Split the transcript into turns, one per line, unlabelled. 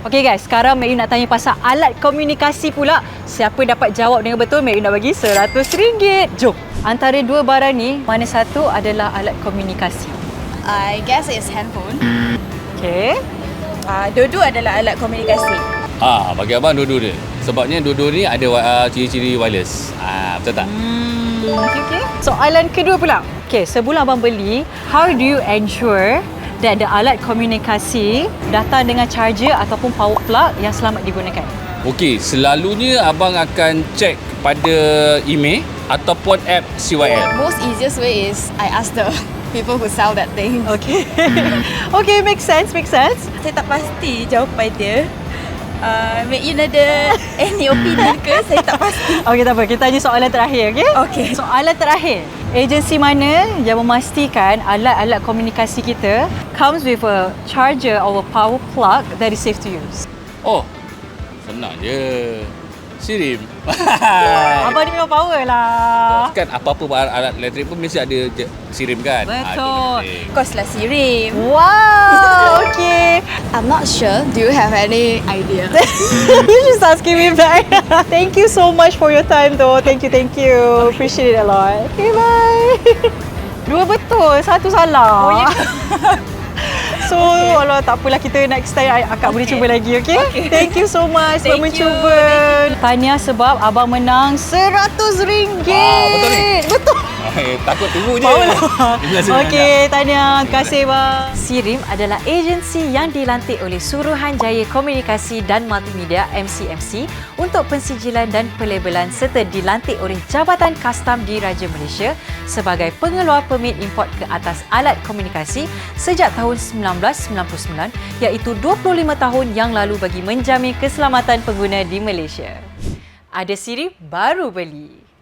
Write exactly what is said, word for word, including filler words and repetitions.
Okey guys, sekarang Mek Yu nak tanya pasal alat komunikasi pula. Siapa dapat jawab dengan betul, Mek Yu nak bagi seratus ringgit. Jom. Antara dua barang ni, mana satu adalah alat komunikasi?
I guess it's handphone.
Okey.
Uh, dua-dua adalah alat komunikasi.
Ah, bagi abang dua-dua dia. Sebabnya dua-dua ni ada uh, ciri-ciri wireless. Ah, betul tak?
Hmm, okey okey. Soalan kedua pula. Okey, sebelum abang beli, how do you ensure that the alat komunikasi datang dengan charger ataupun power plug yang selamat digunakan?
Okey, selalunya abang akan cek pada email ataupun app C Y L.
Most easiest way is I ask the people who sell that thing.
Okey. Okey, make sense, make sense.
Saya tak pasti jawapan dia. Uh, Mek Yu ada any opinion ke? Saya tak pasti.
Okey, tak apa. Kita tanya soalan terakhir, okey?
Okey.
Soalan terakhir. Agensi mana yang memastikan alat-alat komunikasi kita comes with a charger or a power plug that is safe to use?
Oh, senang je. Sirim.
Abang ni memang power lah.
Kan apa-apa alat elektrik pun mesti ada je sirim kan?
Betul.
Ah,
Kos lah sirim.
Wow, okay.
I'm not sure. Do you have any idea?
You just asking me back. Thank you so much for your time though. Thank you, thank you. Appreciate it a lot. Okay, bye. Dua betul, satu salah.
Oh, ya.
So, okay. Walau tak apalah, kita next time akak okay. boleh cuba lagi, okay? okay? Thank you so much
Thank
sebab
you.
mencuba. Tahniah sebab abang menang seratus ringgit.
Wah, betul ni?
Betul.
Eh, takut tunggu je.
Power lah. Okey, tahniah. Terima kasih bang. Sirim adalah agensi yang dilantik oleh Suruhanjaya Komunikasi dan Multimedia M C M C untuk pensijilan dan pelabelan serta dilantik oleh Jabatan Kastam Diraja Malaysia sebagai pengeluar permit import ke atas alat komunikasi sejak tahun sembilan belas sembilan puluh sembilan, iaitu dua puluh lima tahun yang lalu bagi menjamin keselamatan pengguna di Malaysia. Ada Siri baru beli.